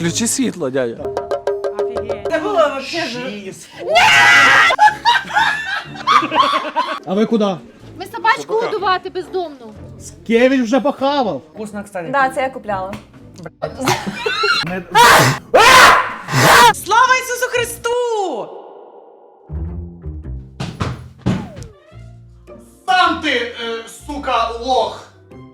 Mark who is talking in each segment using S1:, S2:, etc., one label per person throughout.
S1: Включи світло, дядя.
S2: Це було вообще.
S3: А ви куди?
S4: Ми собачку годувати бездомну.
S3: Скевич вже похавав.
S2: Вкусно, кстати.
S5: Да, це я купляла.
S2: Слава Ісусу Христу!
S3: Сам ти, сука, лох.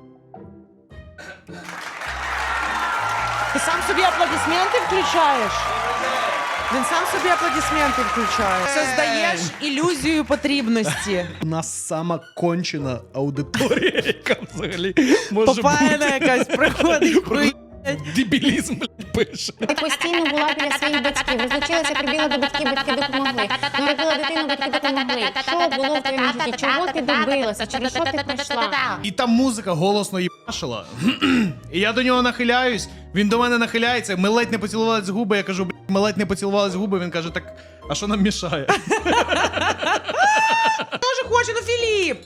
S2: Ти сам собі аплодисменти включаєш? Він сам собі аплодисменти включає. Создаєш ілюзію потрібності.
S3: У нас сама кончена аудиторія, яка взагалі може
S2: Попаяна якась приходить. хуй.
S3: дебілізм, блядь, пише.
S6: Я постійно була біля своїх батьків. Розлучилася, прибігла до батьків, батьки допомогли. Народила дитину, батьки допомогли. Що було в твоєму житті? Чого ти добилася? Через що ти пройшла?
S3: І там музика голосно їбашила. І я до нього нахиляюсь, він до мене нахиляється, ми ледь не поцілувались в губи, я кажу, блядь, ми ледь не поцілувались в губи, він каже, так, а що нам мішає?
S2: Тоже хоче, ну Філіп!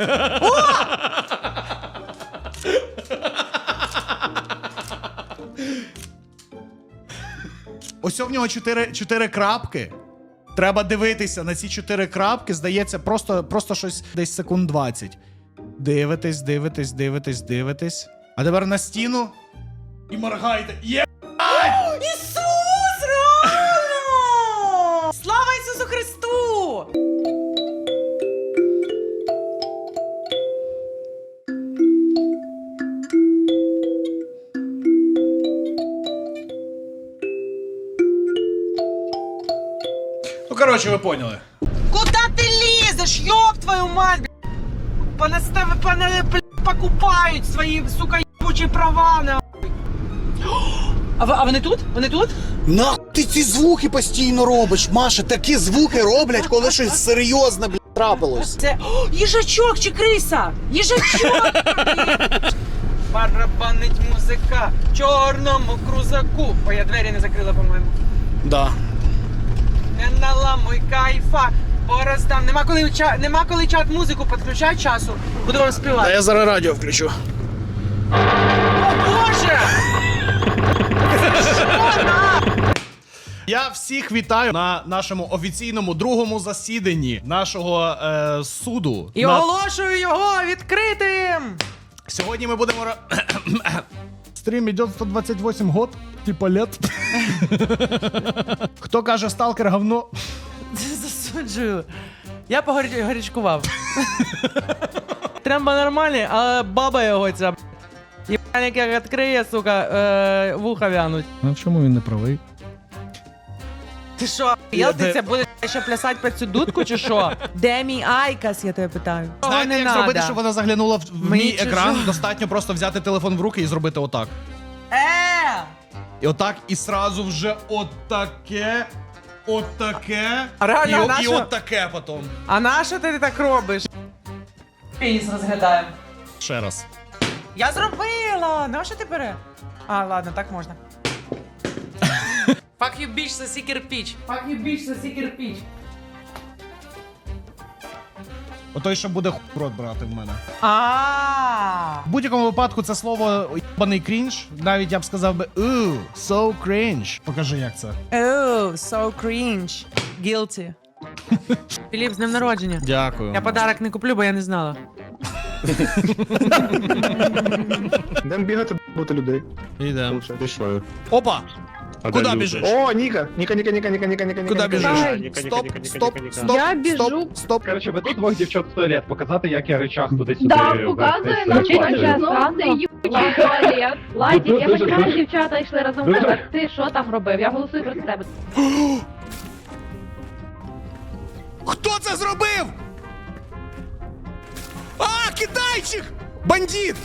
S3: Ось в нього 4 крапки. Треба дивитися на ці 4 крапки, здається, просто щось десь секунд 20. Дивитесь, дивитесь, дивитесь, дивитесь. А тепер на стіну і моргайте. Є!
S2: Ісус, реально! Слава Ісусу Христу!
S3: Ну, коротше, ви поняли.
S2: Куда ти лізеш, ёб твою мать, покупають свої, сука, ебучі права, нахуй. А вони тут? Вони тут?
S7: Нахуй ти ці звуки постійно робиш, Маша, такі звуки роблять, коли щось серйозне, блядь, трапилось.
S2: Це їжачок чи криса? Їжачок! Барабанить музика в чорному крузаку. Ой, я двері не закрила, по-моєму.
S7: Да.
S2: Не наламуй кайфа, пороздам. Нема коли чат музику підключати часу. Буду вам співати.
S7: А я зараз радіо включу.
S2: О, Боже!
S3: Я всіх вітаю на нашому офіційному другому засіданні нашого суду.
S2: І оголошую його відкритим!
S3: Сьогодні ми будемо... Стрім іде 128 год, типа лет. Хто каже сталкер говно?
S2: Засуджую. Я погорячкував. Тремба нормальний, але баба його ця. Єбаник як відкриє, сука, вуха вянуть.
S3: Ну в чому він не правий?
S2: Ти що, ти будеш ще плясати під цю дудку чи що? Де мій Айкас, я тебе питаю?
S3: Знаєте, як зробити, щоб вона заглянула в
S2: Мені
S3: мій
S2: чужо.
S3: екран? Достатньо просто взяти телефон в руки і зробити отак. І отак, і сразу вже отаке, отаке,
S2: А реально,
S3: і
S2: нащо?
S3: отаке потім.
S2: А нащо ти так робиш? Пеніс розглядаємо.
S3: Ще раз.
S2: Я зробила! Нащо ти бере? А, ладно, так можна. Fuck you, bitch, соси кирпич. Fuck you, bitch, соси кирпич.
S3: Отой, що буде в рот брати в мене.
S2: А.
S3: В будь-якому випадку це слово єбаний крінж. Навіть я б сказав би so cringe. Покажи, як це.
S2: Oh, so cringe. Guilty. Філіп, з днем народження.
S3: Дякую.
S2: Я подарок не куплю, бо я не знала.
S8: Йдемо бігати, бути людей.
S3: Ідемо.
S8: Пішли.
S3: Опа!
S8: А
S3: Куди
S8: де люди?
S3: біжиш?
S8: О, Ніка! Ніка.
S3: Куди біжиш?
S8: Стоп,
S3: Стоп, стоп,
S4: Я біжу.
S3: стоп, стоп.
S8: Короче, веду двох дівчат в туалет, показати, як я речах туди-сюди.
S4: Да, показує нам це їбучий туалет. Ладік, я хоч раз дівчата йшли разом з тебе. Ти що там робив? Я голосую проти тебе.
S3: Хто це зробив? А, китайчик! Бандит!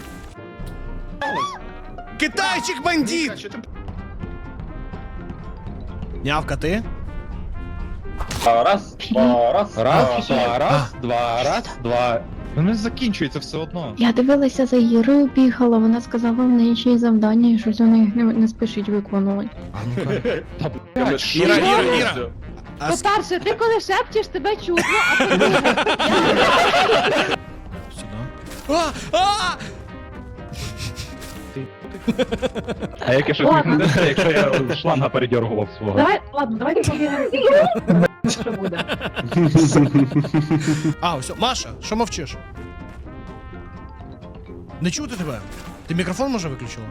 S3: Китайчик бандит! Нявка, ти?
S8: Раз, два. Воно закінчується все одно.
S9: Я дивилася за Ірою, бігала, вона сказала, в неї ще й завдання, і щось вони не спішить виконувати.
S3: Іра.
S4: По-перше, ти коли шепчеш, тебе чутно, а по-друге,
S3: Сюди.
S2: нахуй.
S8: А як я щось
S4: Ладно.
S8: не знаю, якщо я шланга передергував свого.
S4: Давайте повіримо, що буде.
S3: А, ось, Маша, що мовчиш? Не чути тебе? Ти мікрофон може виключила?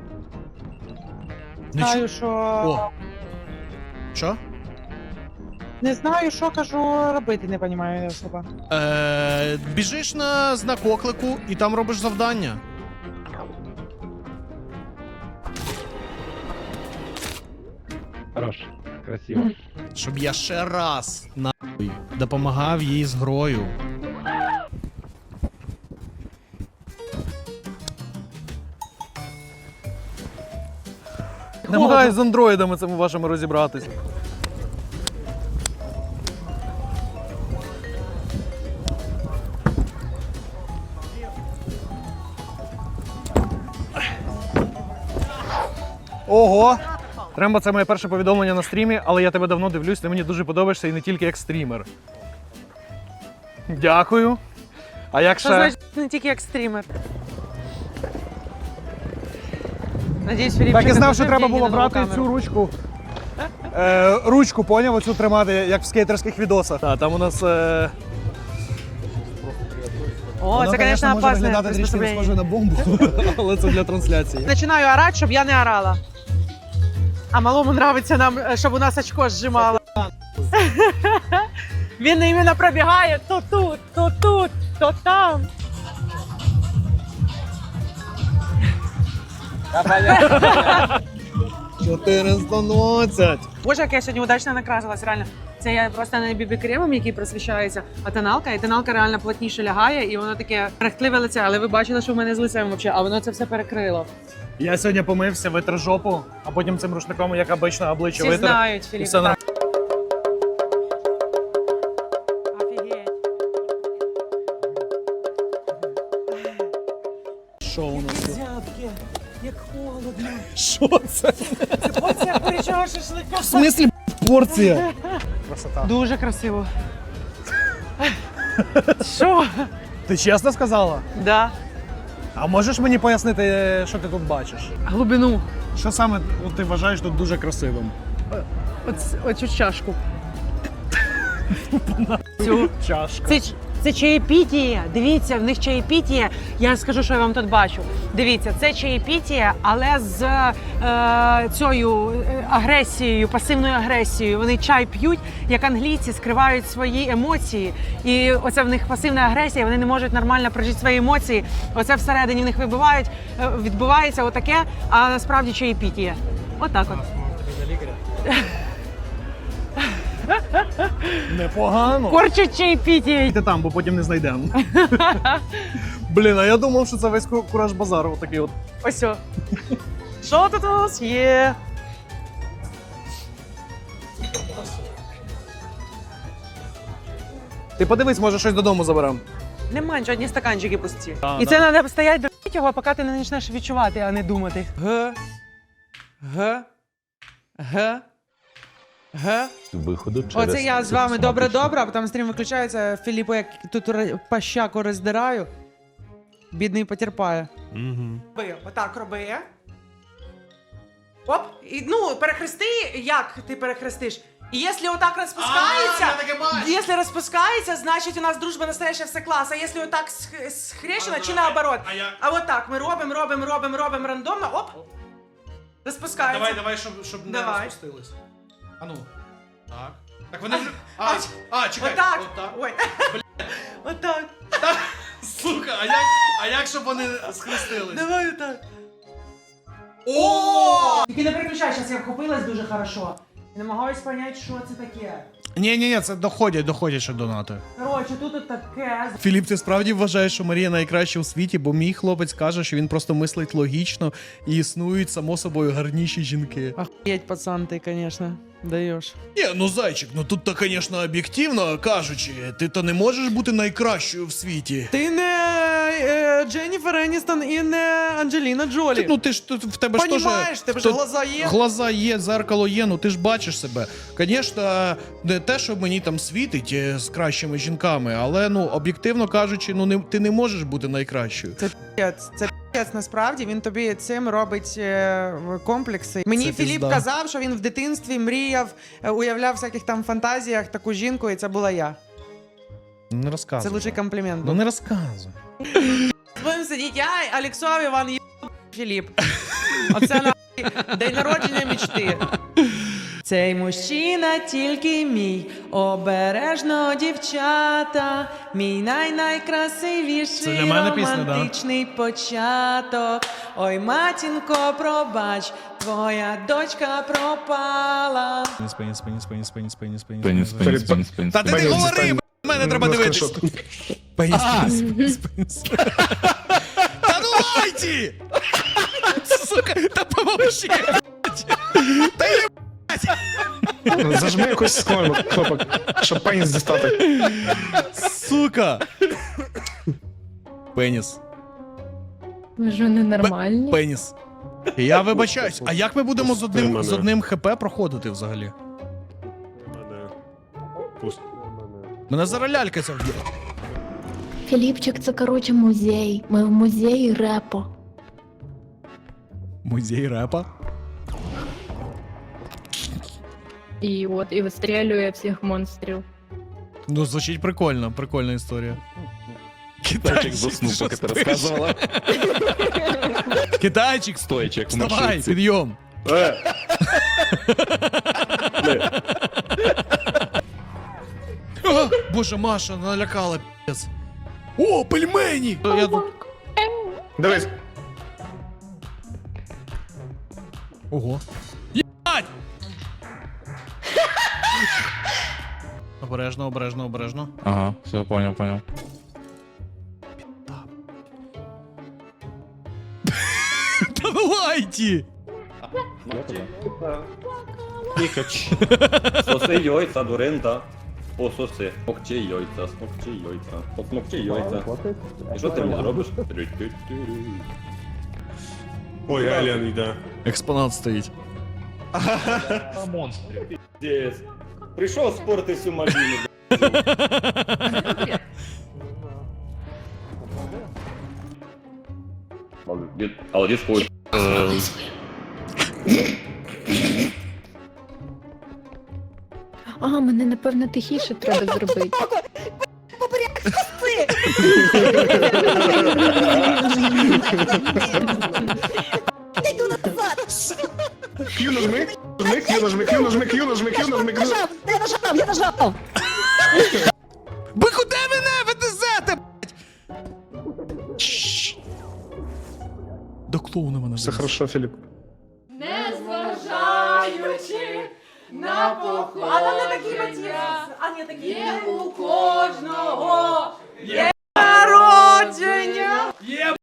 S3: Не
S2: Знаю,
S3: чу...
S2: що...
S3: О. Що?
S2: Не знаю, що кажу робити, не розумію особа.
S3: Біжиш на знак оклику і там робиш завдання.
S8: Хорош, красиво.
S3: Щоб я ще раз нахуй допомагав їй з грою.
S1: Намагаюсь з андроїдами цими вашими розібратись. Ого! Тремба, це моє перше повідомлення на стрімі, але я тебе давно дивлюсь, ти мені дуже подобаєшся і не тільки як стрімер. Дякую. А як
S2: Що
S1: ще?
S2: значить не тільки як стрімер? Надіюсь, Філіп,
S1: Так і
S2: не
S1: знав, що
S2: положив
S1: треба
S2: деньги
S1: було
S2: на нову
S1: брати
S2: камеру.
S1: цю ручку. Ручку, поняв, оцю тримати, як в скейтерських відосах. Так, там у нас.
S2: О, це, звісно, опасне приспособлення.
S1: на бомбу, але це для трансляції.
S2: Починаю орати, щоб я не орала. А малому нравиться нам, щоб у нас очко зжимало. Він іменно пробігає то тут, то там. Боже, як я сьогодні удачно накрасилась, реально. Це я просто не бібі-кремом, який просвіщається, а тоналка. І тоналка реально плотніше лягає, і воно таке рехтливе лице. Але ви бачили, що в мене з лицем взагалі, а воно це все перекрило.
S1: Я сьогодні помився, витер жопу, а потім цим рушником, як обично, обличчя
S2: Всі
S1: витер.
S2: знають,
S1: І
S2: Філіп.
S1: все нормально.
S2: Офігеть.
S1: Що у нас?
S2: Зябки, як холодно.
S1: Що це?
S2: Оце порічого шашлика.
S1: В смислі порція? Красота.
S2: Дуже красиво. Що?
S1: Ти чесно сказала?
S2: Да.
S1: А можеш мені пояснити, що ти тут бачиш?
S2: Глибину.
S1: Що саме ти вважаєш тут дуже красивим?
S2: Оцю чашку. Цю.
S1: Чашка.
S2: Це чаєпітіє. Дивіться, в них чаєпітіє. Я скажу, що я вам тут бачу. Дивіться, це чаєпітіє, але з цією агресією, пасивною агресією. Вони чай п'ють, як англійці скривають свої емоції. І оце в них пасивна агресія, вони не можуть нормально прожити свої емоції. Оце всередині в них відбувається отаке, а насправді чаєпітіє. Отак от.
S1: Непогано.
S2: Корчить чаєпітіє.
S1: Йди там, бо потім не знайдемо. Блін, а я думав, що це весь кураж базару. Такий от.
S2: Ось о. Що тут у нас є?
S1: Ти подивись, може щось додому заберемо.
S2: Нема нічого, одні стаканчики пусті.
S1: Да,
S2: І
S1: да.
S2: це треба стояти до його, поки ти не почнеш відчувати, а не думати. Г.
S5: Виходу через
S2: Оце я з вами добре-добре, а потім стрім виключається. Філіпу, як тут пащаку роздираю. Бідний потерпає. Роби, отак роби. Оп, і, ну, перехрести, як ти перехрестиш? І якщо отак розпускається, якщо розпускається, значить у нас дружба настояща все клас. А якщо отак схрещено, чи наоборот? А от так, ми робимо рандомно, оп, розпускається.
S3: Давай, щоб не
S2: Давай.
S3: розпустились. А ну. Так. Так вони вже... Чекай.
S2: Отак.
S3: Отак.
S2: Ой. Отак.
S3: Сука, а як щоб вони схрестились?
S2: Давай отак. О! Тільки не переключай, зараз я вхопилась дуже хорошо. І намагаюсь зрозуміти, що це таке.
S3: Ні, це доходять ще донати.
S2: Коротше, тут от таке.
S3: Філіп, ти справді вважаєш, що Марія найкраща у світі, бо мій хлопець каже, що він просто мислить логічно і існують, само собою, гарніші жінки.
S2: Охуєть, пацан, ти, звісно, даєш.
S3: Ні, ну зайчик, ну тут-то, звісно, об'єктивно кажучи, ти то не можеш бути найкращою в світі.
S2: Ти не Дженніфер Еністон і не Анджеліна Джолі.
S3: Ну ти ж тут в тебе ж теж...
S2: Понімаєш, тебе ж глаза є.
S3: Глаза є, зеркало є, ну ти ж бачиш себе. Звісно, не те, що мені там світить з кращими жінками, але, ну, об'єктивно кажучи, ну ти не можеш бути найкращою.
S2: Це насправді він тобі цим робить комплекси. Мені
S3: Це
S2: Філіп
S3: пізда.
S2: казав, що він в дитинстві мріяв, уявляв в всяких там фантазіях таку жінку, і це була я.
S3: Не розказуй.
S2: Це лучший комплімент.
S3: Ну не розказуй.
S2: Будемо сидіти, я, Алексов, Іван, Філіп. Оце нахуй день народження мечти. Цей мужчина тільки мій, обережно дівчата, мій
S3: Це
S2: найкрасивіший
S3: для мене пісня, да?
S2: романтичний початок. Ой, матінко, пробач, твоя дочка пропала.
S3: Пеніс.
S8: Пеніс.
S3: Та ти не говори, б**, мене треба дивитись. Пеніс. Та ну лайті! Сука, та помовчи! Та є,
S5: Зажми якусь з кнопок, щоб пеніс дістати.
S3: сука! Пеніс.
S9: Ви ж ненормальні.
S3: Пеніс. Я вибачаюсь, а як ми будемо з одним ХП проходити взагалі? Мене зараз лялька ця вб'є.
S9: Філіпчик, це коротше музей. Ми в музеї репо.
S3: Музей репа?
S9: І вистрілює всіх монстрів.
S3: Ну, звучить прикольно, прикольна історія.
S8: Китайчик заснув, поки ти розказувала.
S3: Китайчик,
S8: Стоячи, як в
S3: вставай,
S8: маршрутці.
S3: підйом. О, Боже, Маша налякала, п'єс. О, пельмені! Я тут...
S5: Дивись.
S3: Ого. Єбать! Обережно.
S8: Ага, все, понял.
S3: Та ну лайті!
S10: Соси яйця, дуринда. Пососи. Смокчи яйця, посмокчи яйця. І що ти мені робиш?
S5: Ой, Ален йде.
S3: Експонат стоїть.
S10: Дєс. Прийшов спорти всю малину. Молодець, хуй.
S9: Мене, напевно, тихіше треба зробити.
S5: Q нажми.
S3: Ви куди мене везете, блять? До клоуна мене
S5: Все
S3: везете.
S5: хорошо, Філіп.
S2: Незважаючи на походу. А там не такі мотиви. А не такі. Є у кожного. Є народження.
S3: Єбать!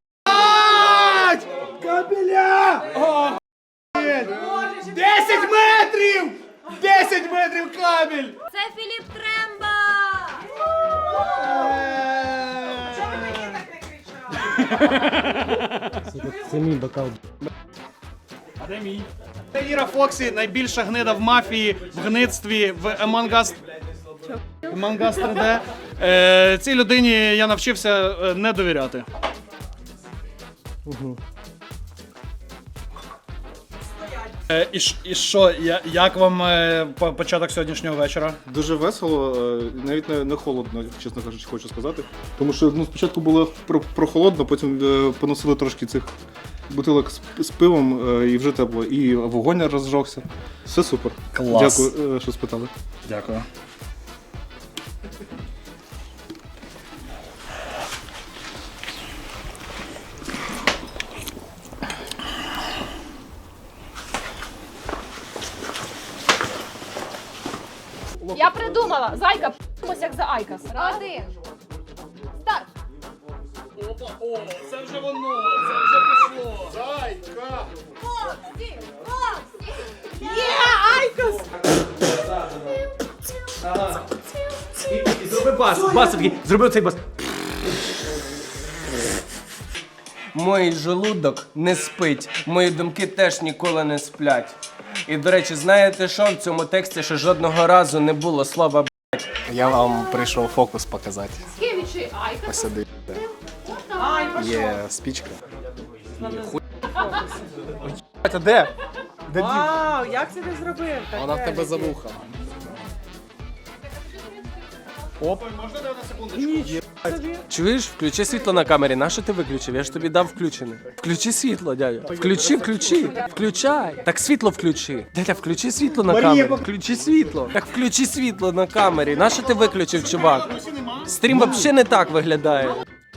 S3: Кабеля! О, 10 метрів! 10 метрів кабель!
S6: Це Філіп Тремба!
S2: Чого ви мені так не кричали?
S3: Це мій бокал. А де мій? Це Ліра Фоксі, найбільша гнида в мафії, в гництві, в Among Us 3D. Цій людині я навчився не довіряти. І що, як вам початок сьогоднішнього вечора?
S11: Дуже весело, навіть не холодно, чесно кажучи, хочу сказати. Тому що спочатку було прохолодно, потім поносили трошки цих бутилок з пивом і вже тепло. І вогонь розжогся. Все супер.
S3: Клас.
S11: Дякую, що спитали.
S3: Дякую.
S4: Я придумала! Зайка, п***мось як за Айкас. Один. Старт!
S3: О, це вже воно, це вже пішло. Зайка!
S2: Є, Айкос!
S1: І зроби бас такий, зроби цей бас.
S12: Мій желудок не спить, мої думки теж ніколи не сплять. І, до речі, знаєте що? В цьому тексті ще жодного разу не було слова «б***».
S7: Я вам прийшов фокус показати.
S4: Скевічі Айкас.
S7: Посиди. Є спічка.
S12: Це де?
S2: Вау, як це ти зробив? Вона в тебе за вуха.
S12: Чуєш, включи світло на камері. Нащо ти виключив? Я ж тобі дав включене. Включи світло, дядя. Включи. Включай. Так світло включи. Дядя, включи світло на камері. Включи світло. Так включи світло на камері. Нащо ти виключив, чувак? Стрім взагалі не так виглядає.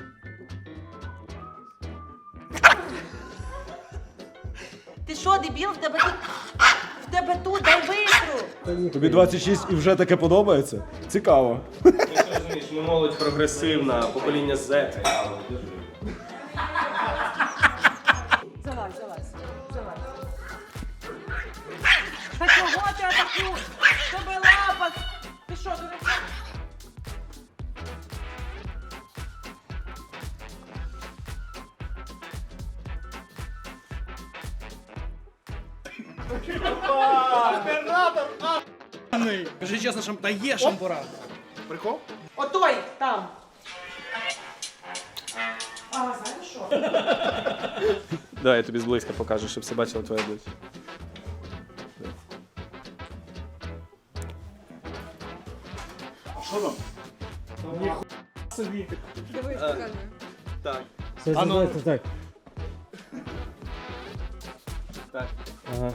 S2: Ти що, дебіл? В тебе тут, дай витру.
S10: Тобі 26 і вже таке подобається? Цікаво.
S12: Ти що розумієш, ми молодь прогресивна, покоління Z.
S2: Залазь. Та чого ти атаку? Тебе лапа. Ти що, дурак?
S3: Кажи чесно, та є шампура. Прикол?
S2: Отой, там. А, знаєш що?
S12: Давай я тобі зблизька покажу, щоб всі бачили твоє обличчя.
S3: Що там?
S2: Дивись, покажи.
S12: Так.
S3: А ну,
S12: Так.
S8: Ага.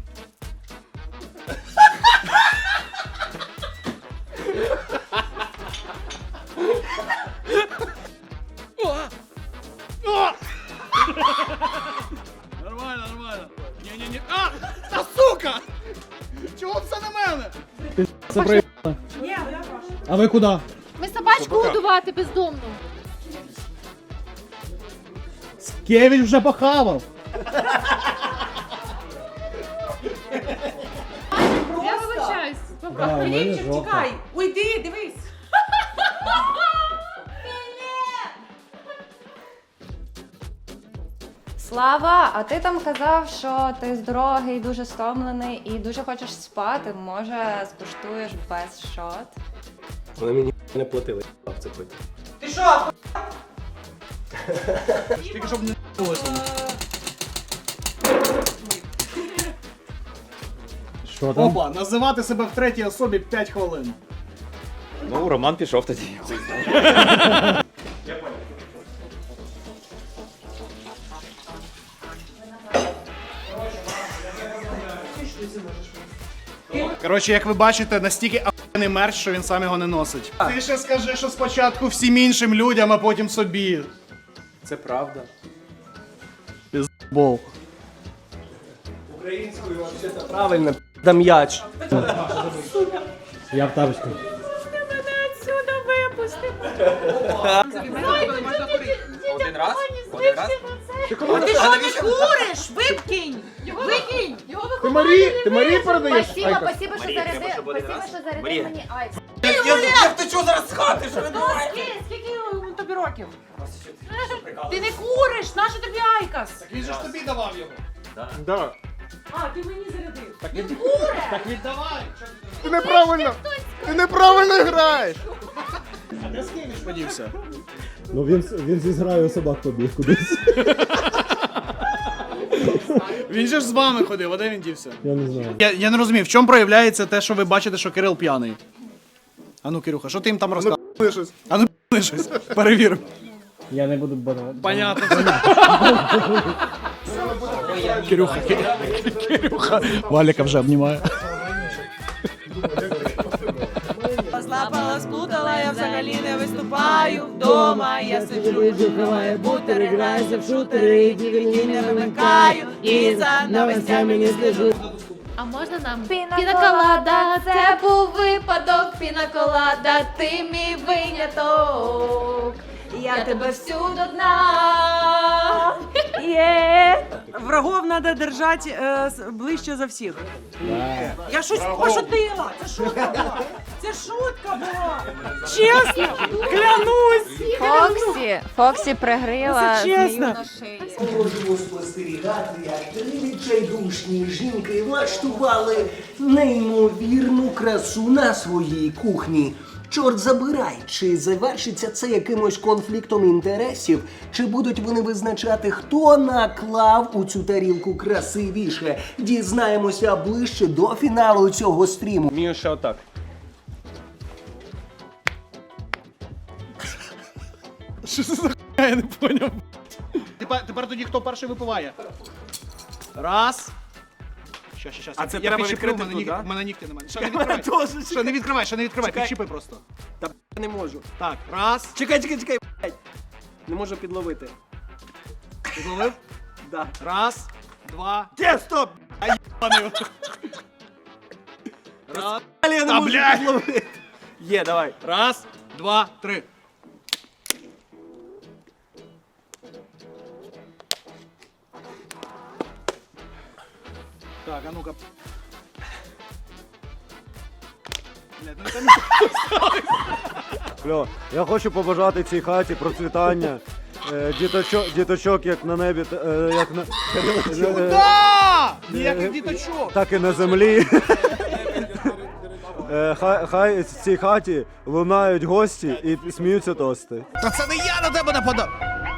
S3: Нормально. Ні. А! Та сука! Чого все на мене?
S2: Ні, я прошу.
S3: А ви куди?
S4: Ми собачку годувати бездомну.
S3: Кевич вже похавав.
S4: Я вибачаюсь.
S2: Філіпчик, тікай. Уйди, дивись.
S6: Слава, а ти там казав, що ти з дороги дуже стомлений і дуже хочеш спати. Може, скуштуєш без шот?
S12: Вони мені не платили, в це пити.
S2: Ти що?
S3: Тільки щоб не
S8: Що
S3: Опа, називати себе в третій особі 5 хвилин.
S8: Ну, Роман пішов тоді.
S3: Коротше, як ви бачите, настільки ахуєнний мерч, що він сам його не носить. Ти ще скажи, що спочатку всім іншим людям, а потім собі.
S12: Це правда.
S3: Бол.
S12: Українською взагалі правильно, да м'яч.
S8: Я в тапочку.
S2: Мене отсюда випусти.
S12: Один раз?
S2: А ти що не куриш? Викинь! Викинь!
S5: Ти Марії передаєш?
S6: Спасибо, що зарядив мені айс.
S12: Я втечу зараз з хати, що ви
S2: Скільки тобі років? Ти не куриш! Нащо тобі айкас?
S3: Він же ж тобі давав його.
S5: Да.
S2: А, ти мені зарядив.
S3: Так віддавай.
S5: Ти неправильно граєш!
S3: А де Скевич подівся?
S8: Ну він зі зграю собак побіг кудись.
S3: Він же ж з вами ходив, а де він дівся?
S8: Я не знаю.
S3: Я не розумію, в чому проявляється те, що ви бачите, що Кирил п'яний? А ну, Кирюха, що ти їм там розказуєш?
S5: щось.
S3: А ну, щось, перевіримо.
S8: Я не буду бадувати.
S3: Понятно. Кирюха. Валіка вже обнімає.
S2: Злапала, сплутала, я взагалі не виступаю. Вдома я сиджу, жухаваю бутери, граюся в шутери, DVD не вимикаю, і за новостями не слежу.
S4: А можна нам?
S6: Пінаколада, це був випадок, пінаколада, ти мій виняток. Я тебе всю до дна.
S2: Врагов треба держати ближче за всіх. Я щось пошутила. Це шутка була. Це шутка була. Чесно, клянусь.
S6: Фоксі пригрила
S2: Це чесно.
S6: на шиї.
S13: Можемо спостерігати, як три відчайдушні жінки влаштували неймовірну красу на своїй кухні. Чорт забирай, чи завершиться це якимось конфліктом інтересів, чи будуть вони визначати, хто наклав у цю тарілку красивіше. Дізнаємося ближче до фіналу цього стріму.
S12: Вмію ще отак.
S3: Що це за хуйня, я не поняв. Тепер тоді хто перший випиває? Раз. Щас.
S12: А це
S3: Я
S12: треба
S3: підщиплю,
S12: відкрити тут, да?
S3: в мене нігті немає. Ще не відкривай. Ще не відкривай,
S12: Чекай.
S3: підщипай просто.
S12: Та не можу.
S3: Так, раз.
S12: Чекай, блядь. Не можу підловити.
S3: Підловив?
S12: Да.
S3: Раз, два.
S12: Де, стоп!
S3: Раз.
S12: Але я не
S3: Та,
S12: можу
S3: блядь!
S12: підловити. Є, давай.
S3: Раз, два, три. Так, а ну-ка. Блядь, ну це
S8: Кльо, я хочу побажати цій хаті процвітання. Діточок як на небі, як на...
S3: Куда? Ніяких діточок.
S8: Так і на землі. Хай в цій хаті лунають гості і сміються тости.
S3: Та це не я на тебе нападав.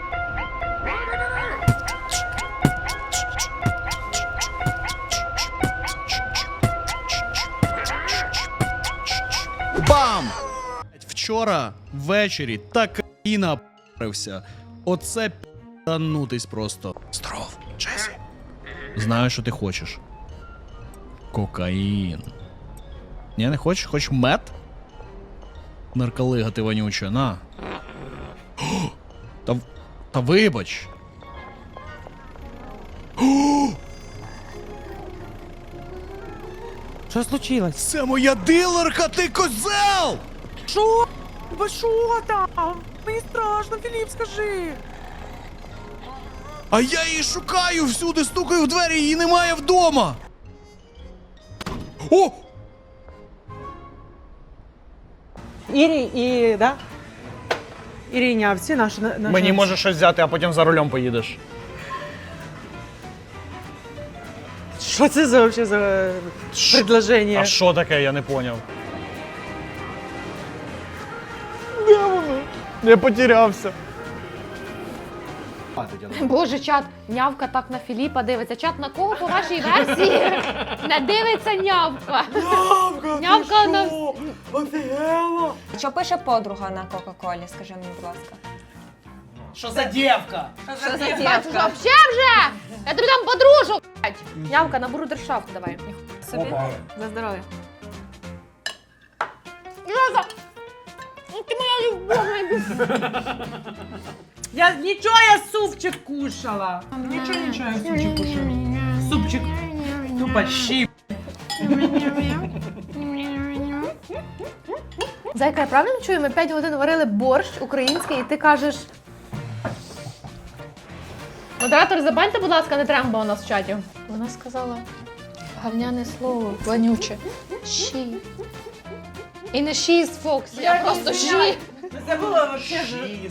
S3: Бам! Вчора ввечері так і напарився. Оце п'янутись просто. Здоров, Джесі. Знаю, що ти хочеш. Кокаїн. Ні, не хочеш? Хочеш мед? Нарколига ти вонюча, на. О, та вибач.
S2: Що случилось?
S3: Це моя дилерка, ти козел!
S2: Що? Ви що там? Мені страшно, Філіп, скажи.
S3: А я її шукаю всюди, стукаю в двері, її немає вдома. О!
S2: Да? Іринявці, наші...
S1: Мені можеш щось взяти, а потім за рулем поїдеш.
S2: Що це за, вообще за предложення?
S1: А що таке, я не поняв. Я потерявся.
S4: Боже, чат, нявка так на Філіпа дивиться. Чат, на кого по вашій версії не дивиться нявка? Нявка на...
S6: Що пише подруга на Кока-Колі, скажи мені, будь ласка.
S3: Що за дівка?
S4: Що за дівка? Вообще вже! Я тобі дам подружок, блядь! Нявка, на брудершафт давай. Собі. За здоров'я. Нявка! Ти моя любов,
S2: Нічого, я супчик кушала. Нічого, я супчик кушала. Супчик тупо щіп.
S4: Зайка, я правильно чую? Ми 5 годин варили борщ український, і ти кажеш... Модератор, забаньте, будь ласка, не треба у нас в чаті. Вона сказала гавняне слово, вонюче. Ші. І не ші з Фоксі, а просто ші.
S2: Це було вообще...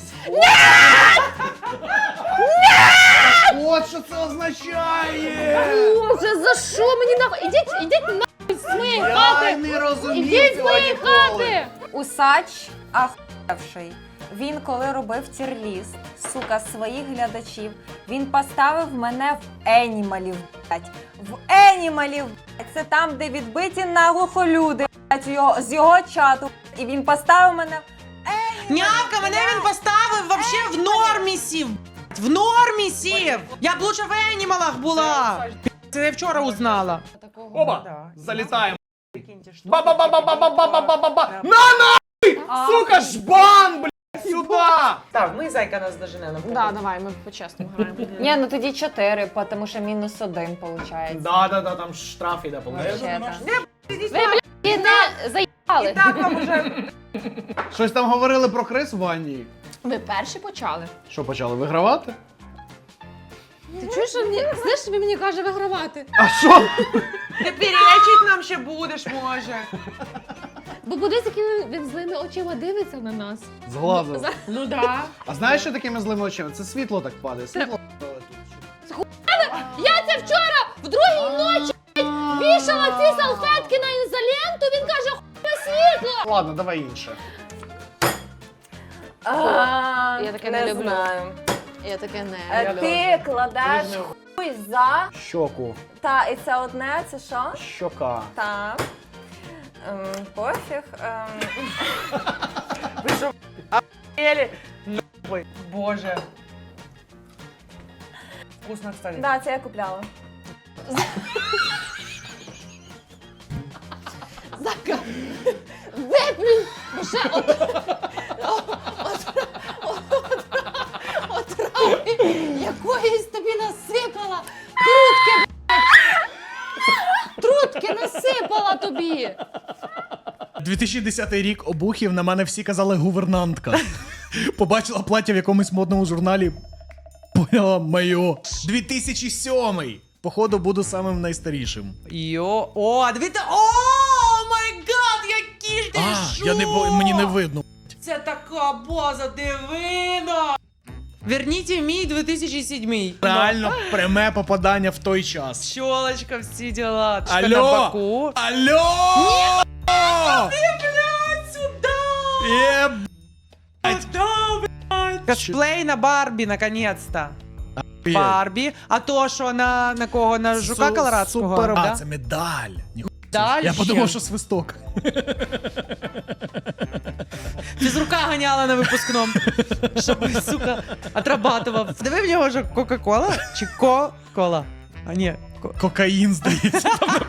S3: От що це означає!
S4: Боже, за що мені нахуй? Ідіть нахуй з моєї хати!
S3: не розумію
S4: Ідіть з
S3: цього
S4: моєї
S3: ніколи.
S4: хати!
S6: Усач ахуєвший. Він коли робив тірліст, сука, своїх глядачів, він поставив мене в енімалів, блядь. В енімалів, блядь. Це там, де відбиті наглухо люди, блядь, з його чату. І він поставив мене в
S2: Нявка, мене він поставив вообще в нормі сів. В нормі сів. Я б лучше в енімалах була. Це я вчора узнала.
S3: Оба! Залітаємо. Ба-ба-ба-ба-ба-ба-ба-ба-ба-ба! На нахуй! Сука, жбан, блядь, сюда!
S2: Так, ми зайка нас дожене.
S4: Да, давай, ми по-чесному граємо.
S6: Ні, ну тоді 4, тому що -1 виходить.
S3: Да, там штраф іде,
S6: Вообще-то.
S4: Ви, блядь, не заїбали.
S2: Так вам уже...
S3: Щось там говорили про Крис в ванні.
S4: Ви перші почали.
S3: Що, почали вигравати?
S4: Ти чуєш, що мені... Знаєш, що він мені каже вигравати?
S3: А що?
S2: Ти перечить нам ще будеш, може.
S4: Бо подивись, якими він злими очима дивиться на нас.
S3: З глазу.
S2: Ну да.
S3: А знаєш, що такими злими очима? Це світло так падає. Світло.
S4: Я це вчора в другій ночі блядь, вішала ці салфетки на ізоленту, він каже, хуй світло!
S3: ладно, давай інше.
S4: Я таке не люблю.
S6: Знаю.
S4: Я таке не.
S6: Ти кладеш хуй за.
S3: Щоку.
S6: Та, і це одне, це що?
S3: Щока.
S6: Так. Пофіг.
S2: Ви що, охуєли? Нахуй. Боже. Вкусно, кстати.
S6: Да, це я купляла.
S4: Зака, виплюнь, бо ще отрави якоїсь тобі насипала. Трутки насипала тобі.
S3: 2010 рік обухів, на мене всі казали гувернантка. Побачила плаття в якомусь модному журналі. Поняла моє. 2007. Походу, буду самим найстарішим.
S2: О, дивіться, о, май гад, які ж ти
S3: Мені не видно.
S2: Це така база, дивина. Верніть мій 2007.
S3: Реально пряме попадання в той час.
S2: Щолочка, всі діла.
S3: Алло!
S2: На боку.
S3: Алло!
S2: Ти, блядь, сюди! Куда, блядь? Косплей на Барбі, наконец-то. Барбі. А то, що на кого? На жука колорадського?
S3: Супер.
S2: Да?
S3: Це медаль.
S2: Дальше.
S3: Я подумав, що свисток.
S2: Фізрука ганяла на випускному. Щоб, сука, отрабатував. Диви в нього ж Кока-Кола? Чи Ко-Кола? А ні.
S3: Кокаїн, здається.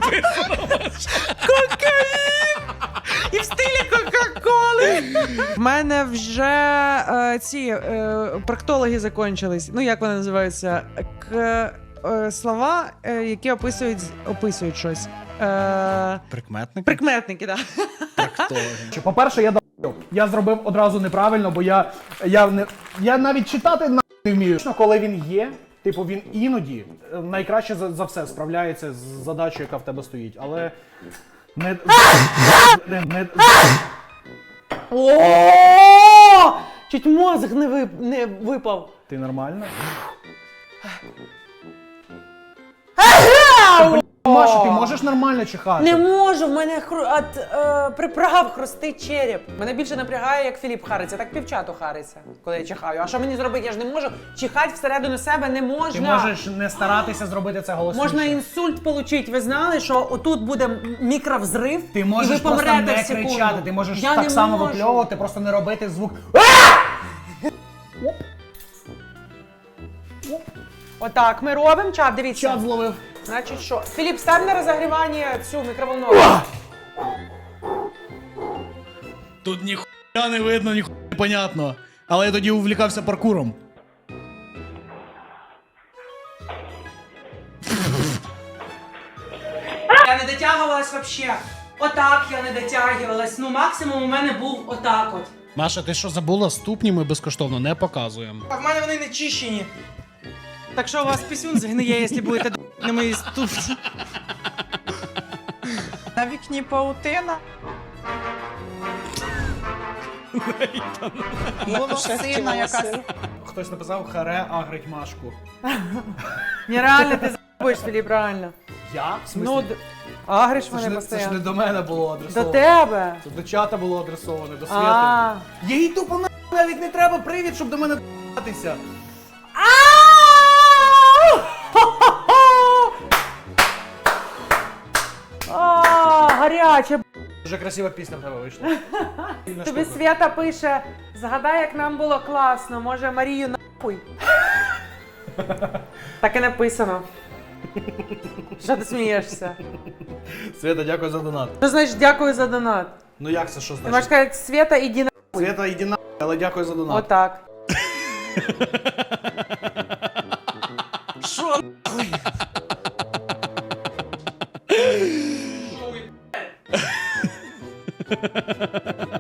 S2: Кокаїн! І в стилі Кока-Коли. В мене вже ці проктологи закончились. Ну, як вони називаються? Слова, які описують щось.
S3: Прикметники?
S2: Прикметники, так.
S3: По-перше, я зробив одразу неправильно, бо я навіть читати не вмію. Коли він є, типу він іноді найкраще за все справляється з задачею, яка в тебе стоїть, але не
S2: О! Чуть мозок не випав.
S3: Ти нормально? Маша, ти можеш нормально чихати?
S2: Не можу, в мене приправ хрустить череп. Мене більше напрягає, як Філіп хариться, так півчату хариться, коли я чихаю. А що мені зробити? Я ж не можу. Чихати всередину себе не можна.
S3: Ти можеш не старатися зробити це голосніше.
S2: Можна інсульт отримати. Ви знали, що отут буде мікровзрив,
S3: Ти
S2: і
S3: можеш
S2: ви
S3: просто
S2: помрете
S3: не
S2: в секунду.
S3: кричати, ти можеш
S2: Я
S3: так
S2: не
S3: само
S2: можу.
S3: випльовувати, просто не робити звук.
S2: Отак ми робимо. Чат, дивіться.
S3: Чат зловив.
S2: Значить що? Філіп, став на розогрівання цю мікроволновку.
S3: Тут ніхуя не видно, ніхуя не понятно. Але я тоді увлікався паркуром.
S2: Я не дотягувалась вообще. Отак я не дотягувалась. Ну максимум у мене був отак от.
S3: Маша, ти що забула? Ступні ми безкоштовно не показуємо.
S2: А в мене вони не чищені. Так що у вас пісюн згниє, якщо будете на мої ступці. На вікні паутина. Воно сильна якась.
S3: Хтось написав харе агрить Машку.
S2: Нереально ти за***єш, Філіп, реально.
S3: Я? В смысле?
S2: Ну, агриш
S3: Це
S2: мене
S3: ж не
S2: постійно.
S3: до мене було
S2: До
S3: адресовано.
S2: тебе.
S3: Це до чата було адресоване, до Світи.
S2: А.
S3: Їй тупо навіть не треба привід, щоб до мене д***тися.
S2: Гаряче.
S3: Дуже красива пісня в тебе вийшла. Сильна
S2: Тобі
S3: штука.
S2: Свята пише, згадай, як нам було класно, може Марію нахуй. Так і написано. Що ти смієшся?
S3: Свята, дякую за донат.
S2: Що значить дякую за донат?
S3: Ну як це, що
S2: Ти можеш
S3: значить?
S2: сказати, Свята, іди нахуй.
S3: Свята, іди на, але дякую за донат.
S2: Отак. Що нахуй?